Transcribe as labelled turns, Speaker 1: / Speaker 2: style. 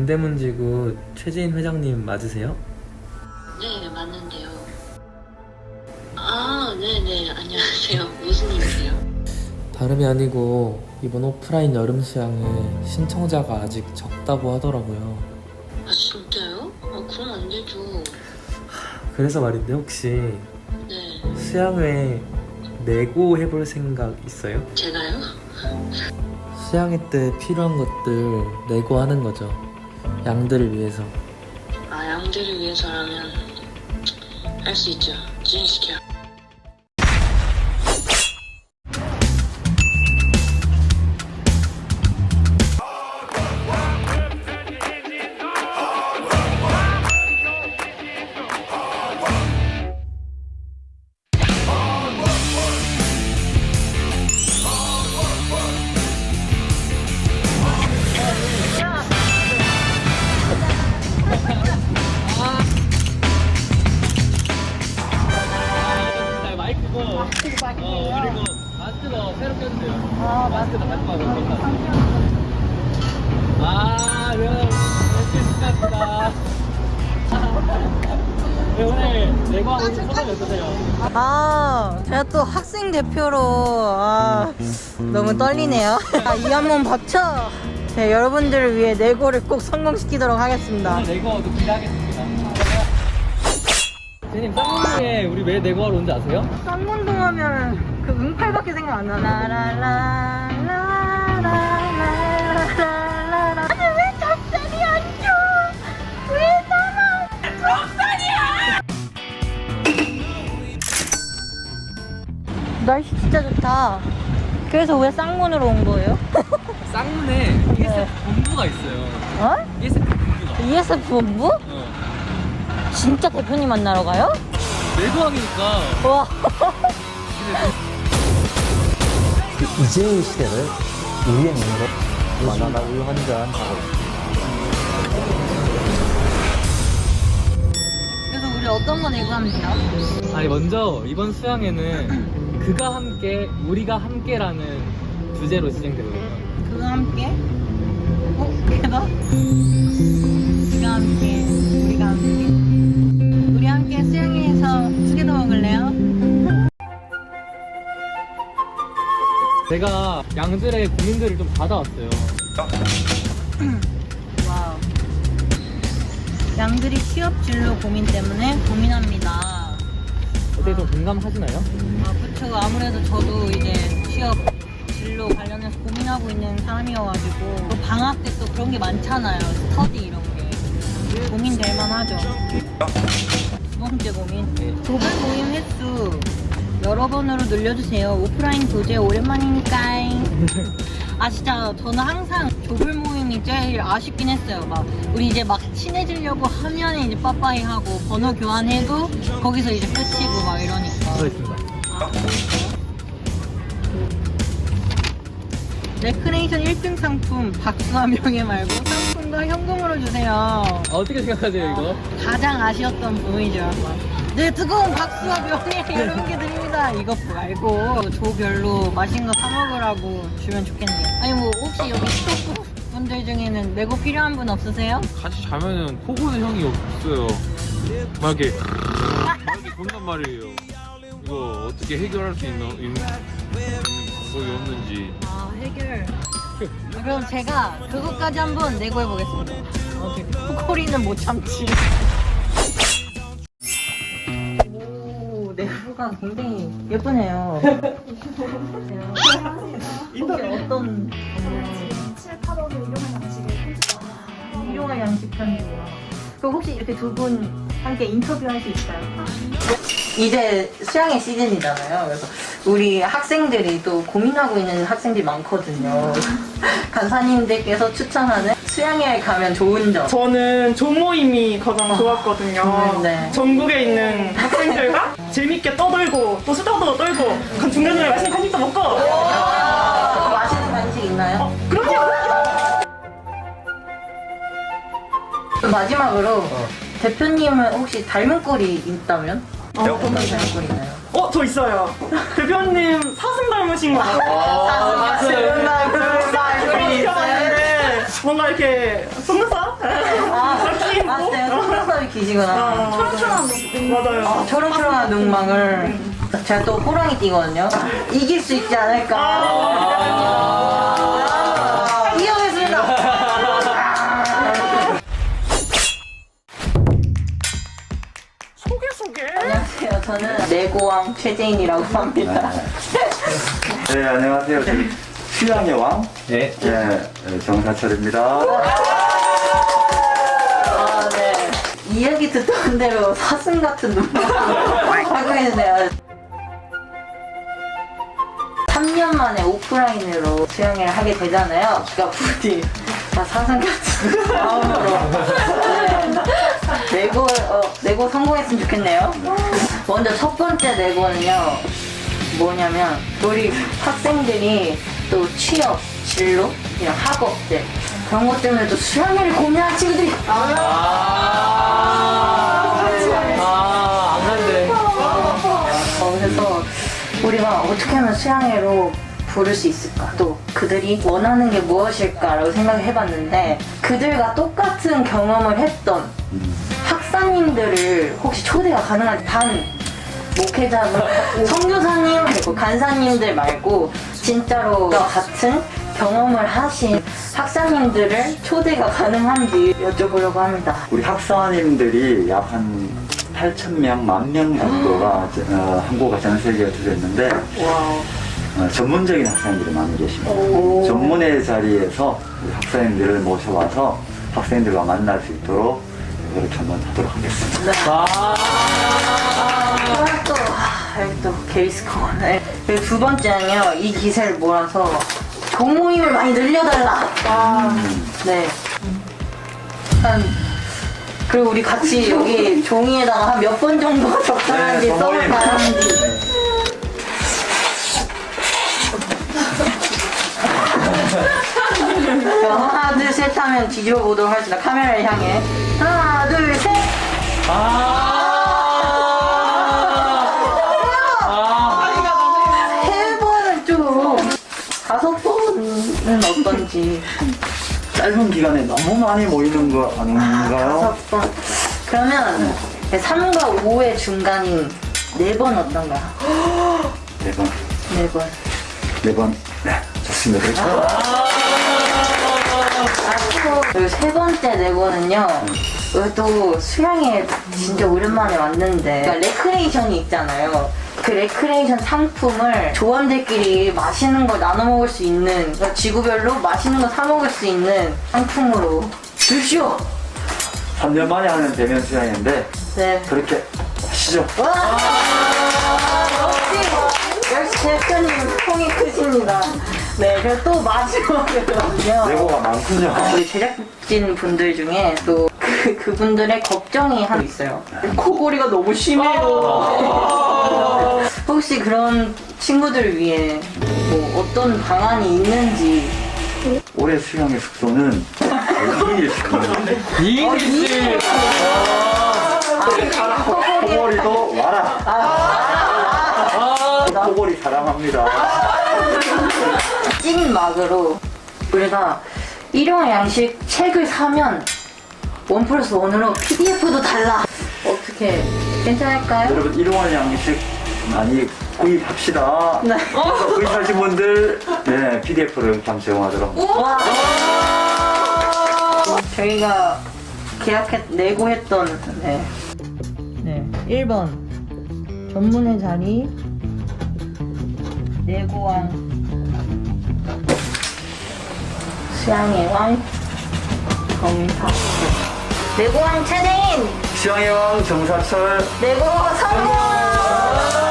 Speaker 1: 동대문지구 최재인 회장님 맞으세요?
Speaker 2: 네, 맞는데요. 아, 네네. 안녕하세요. 무슨 일이세요?
Speaker 1: 다름이 아니고 이번 오프라인 여름 수양에 신청자가 아직 적다고 하더라고요.
Speaker 2: 아, 진짜요? 아, 그럼 안 되죠.
Speaker 1: 그래서 말인데 혹시
Speaker 2: 네.
Speaker 1: 수양회 내고 해볼 생각 있어요?
Speaker 2: 제가요?
Speaker 1: 수양회 때 필요한 것들 내고 하는 거죠. 양들을 위해서.
Speaker 2: 아, 양들을 위해서라면 할 수 있죠. 진행시켜.
Speaker 1: 그리고 마스크도 새로 꼈어요. 마스크도 갖고 와서. 그럼 이렇게 수고하셨다. 오늘 내고하고 소감이 어떠세요?
Speaker 3: 제가 또 학생 대표로 너무 떨리네요. 이 한 번 박쳐. 네, 여러분들을 위해 내고를 꼭 성공시키도록 하겠습니다.
Speaker 1: 오늘 내고도 기대하겠습니다. 선생님, 쌍문동에 우리 왜 내고하러 온지 아세요?
Speaker 3: 쌍문동 하면 그 응팔밖에 생각 안 나네. 라라라라라라라라. 아니 왜 닭살이 안 줘? 왜 나만 닭살이야? 날씨 진짜 좋다. 그래서 왜 쌍문으로 온 거예요?
Speaker 1: 쌍문에 ESF 본부가 있어요.
Speaker 3: 어?
Speaker 1: ESF 본부가.
Speaker 3: ESF 본부? 진짜 대표님 만나러 가요?
Speaker 1: 내고항이니까.
Speaker 3: 와.
Speaker 4: 이제 시대를 우리의 눈으로 바나나 우유 한 잔 하고
Speaker 3: 그래서 우리 어떤 거 내고 하면 돼요?
Speaker 1: 아니 먼저 이번 수양회는 그가 함께 우리가 함께라는 주제로 진행되거든요.
Speaker 3: 그거 함께? 대박? 우리가 함께, 우리가 함께. 우리 함께 수영회에서 두개더 먹을래요?
Speaker 1: 제가 양들의 고민들을 좀 받아왔어요.
Speaker 3: 와우. 양들이 취업 진로 고민 때문에 고민합니다.
Speaker 1: 어떻게 좀 공감하시나요?
Speaker 3: 그쵸. 아무래도 저도 이제 취업 진로 관련해서 고민하고 있는 사람이어가지고 또 방학 때 또 그런 게 많잖아요. 스터디 이런 게 고민될 만하죠. 두 번째 고민, 조별 모임 횟수 여러 번으로 늘려주세요. 오프라인 교재 오랜만이니까. 진짜 저는 항상 조별 모임이 제일 아쉽긴 했어요. 막 우리 이제 막 친해지려고 하면 이제 빠빠이 하고 번호 교환해도 거기서 이제 끝이고 막 이러니까.
Speaker 1: 그렇습니다.
Speaker 3: 레크레이션 1등 상품 박수와 명예 말고 상품과 현금으로 주세요.
Speaker 1: 어떻게 생각하세요 이거?
Speaker 3: 가장 아쉬웠던 부분이죠. 네, 뜨거운 박수와 명예 여러분께 드립니다. 이것 말고 조별로 맛있는 거 사 먹으라고 주면 좋겠네요. 아니 뭐 혹시 여기 스토프 분들 중에는 내고 필요한 분 없으세요?
Speaker 5: 같이 자면은 코 고는 형이 없어요. 막 이렇게 본단 말이에요. 이거 어떻게 해결할 수 있는 방법이 없는지.
Speaker 3: 해결. 그럼 제가 그것까지 한번 내고 해보겠습니다. 코코리는 못 참지. 오, 내부가 굉장히 예쁘네요. 혹시 어떤
Speaker 6: 7, 8월에 일용할 양식을
Speaker 3: 일용할 양식 편이에요. 그럼 혹시 이렇게 두 분 함께 인터뷰할 수 있어요? 이제 수양의 시즌이잖아요. 그래서 우리 학생들이 또 고민하고 있는 학생들이 많거든요. 간사님들께서 추천하는 수양에 가면 좋은 점.
Speaker 7: 저는 조모임이 가장 좋았거든요.
Speaker 3: 네.
Speaker 7: 전국에 있는 학생들과 재밌게 떠들고 또 수다도 떨고 그 중간중간에 맛있는 간식도 먹고
Speaker 3: 맛있는 간식 있나요?
Speaker 7: 그럼요!
Speaker 3: 마지막으로 대표님은 혹시 닮은 꼴이 있다면? 어떤 닮은 꼴이 있나요?
Speaker 7: 저 있어요. 대표님 사슴 닮으신 거 같아요.
Speaker 3: 사슴 닮은 꼴이 있어요.
Speaker 7: 뭔가 이렇게 속눈썹? 이렇게
Speaker 3: 맞아요. 속눈썹이 기시구나.
Speaker 6: 초롱초롱한 눈.
Speaker 7: 맞아요.
Speaker 3: 초롱초롱한 눈망울. 제가 또 호랑이 띠거든요. 이길 수 있지 않을까. 이겨보겠습니다. 안녕하세요. 저는 레고왕 최재인이라고 합니다.
Speaker 8: 네, 안녕하세요. 저는 휴양의 왕,
Speaker 4: 네.
Speaker 8: 정사철입니다.
Speaker 3: 아, 네. 이야기 듣던 대로 사슴 같은 눈망울 하고 있네요. 3년 만에 오프라인으로 수영을 하게 되잖아요. 그러니까 부디 다 사슴 같은 마음으로 레고 성공했으면 좋겠네요. 먼저 첫 번째 레고는요. 뭐냐면 우리 학생들이 또 취업, 진로, 이런 학업들 그런 것 때문에 또 수영을 고민하는 친구들이
Speaker 1: 안 간대.
Speaker 3: 그래서 우리가 어떻게 하면 수양회로 부를 수 있을까? 또 그들이 원하는 게 무엇일까라고 생각을 해봤는데 그들과 똑같은 경험을 했던 학사님들을 혹시 초대가 가능한지 단 목회자분, 선교사님 그리고 간사님들 말고 진짜로 같은 경험을 하신 학사님들을 초대가 가능한지 여쭤보려고 합니다.
Speaker 8: 우리 학사님들이 약 한 8,000명, 10,000명 정도가 한국과 전 세계에 들어있는데 전문적인 학생들이 많이 계십니다. 전문의 자리에서 우리 학생들을 모셔와서 학생들과 만날 수 있도록 그렇게 한번 하도록 하겠습니다.
Speaker 3: 여기 또 게이스컴. 그리고 두 번째는요, 이 기세를 몰아서 동모임을 많이 늘려달라. 네. 그리고 우리 같이 여기 종이에다가 한 몇 번 정도 적당한지
Speaker 8: 동모임.
Speaker 3: 써볼까요? 자, 하나, 둘, 셋 하면 뒤집어 보도록 하겠습니다. 카메라를 향해. 하나, 둘, 셋! 세 번은 좀, 5번은 어떤지.
Speaker 8: 짧은 기간에 너무 많이 모이는 거 아닌가요?
Speaker 3: 5번. 그러면 3과 5의 중간인 4번 어떤가요?
Speaker 8: 4번.
Speaker 3: 4번.
Speaker 8: 4번. 네, 좋습니다.
Speaker 3: 그리고 세 번째 레고는요. 여기 또 수영에 진짜 오랜만에 왔는데 그러니까 레크레이션이 있잖아요. 그 레크레이션 상품을 조원들끼리 맛있는 걸 나눠 먹을 수 있는 그러니까 지구별로 맛있는 거 사 먹을 수 있는 상품으로 주시오.
Speaker 8: 3년 만에 하는 대면 수양인데
Speaker 3: 네.
Speaker 8: 그렇게 하시죠.
Speaker 3: 역시 대표님 통이 크십니다. 네, 그리고 또 마지막으로요.
Speaker 8: 레고가 많군요.
Speaker 3: 우리 제작진 분들 중에 또 그분들의 걱정이 하나 있어요. 코골이가 너무 심해요. 혹시 그런 친구들을 위해 뭐 어떤 방안이 있는지.
Speaker 8: 올해 수양의 숙소는 2일씩. 코골이도 와라. 코골이 사랑합니다.
Speaker 3: 찐 막으로 우리가 일용할 양식 책을 사면 1+1으로 PDF도 달라. 어떻게 괜찮을까요?
Speaker 8: 여러분 일용할 양식 많이 구입합시다.
Speaker 3: 네.
Speaker 8: 구입하신 분들 네, PDF를 이렇게 한번 제공하도록.
Speaker 3: 와. 저희가 내고 했던 네 1번 전문의 자리 내고왕 수양의 왕 정사 내고왕 최대인
Speaker 8: 수양의 왕 정사철
Speaker 3: 내고 성공.